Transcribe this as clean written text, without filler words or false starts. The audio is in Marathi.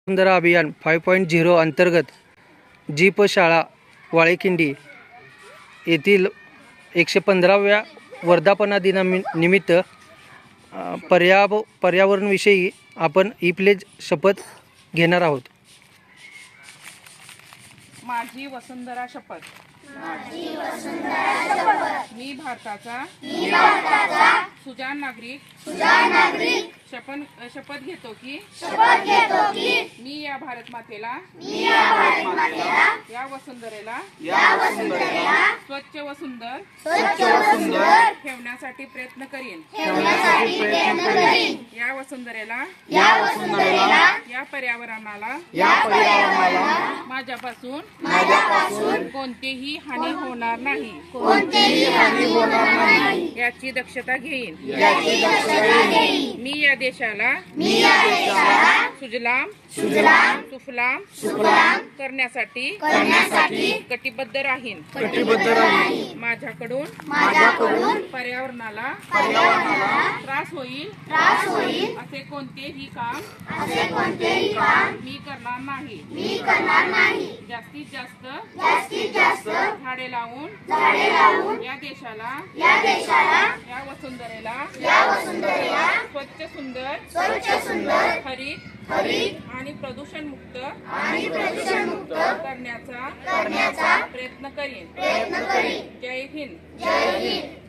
वसुंधरा अभियान 5.0 अंतर्गत जीप शाळा वाळेकिंडी येथील 115व्या वर्धापना दिनानिमित्त पर्यावरणविषयी आपण ई-प्लेज शपथ घेणार आहोत। माझी वसुंधरा शपथ। मी भारताचा सुजाण नागरिक शपथ घेतो की मी या भारत मातेला या वसुंधरेला स्वच्छ व सुंदर ठेवण्यासाठी प्रयत्न करीन। या वसुंधरेला या पर्यावरणाला माझ्यापासून कोणतीही हानी होणार नाही याची दक्षता घेईन। मी या देशाला सुजलाम सुफलाम करण्यासाठी कटिबद्ध राहीन। माझ्याकडून पर्यावरणाला त्रास होईल असे कोणतेही काम मी करणार नाही। जास्तीत जास्त झाडे लावून या देशाला या वसुंधरेला स्वच्छ सुंदर हरित आणि प्रदूषण मुक्त करण्याचा प्रयत्न करीन। जय हिंद।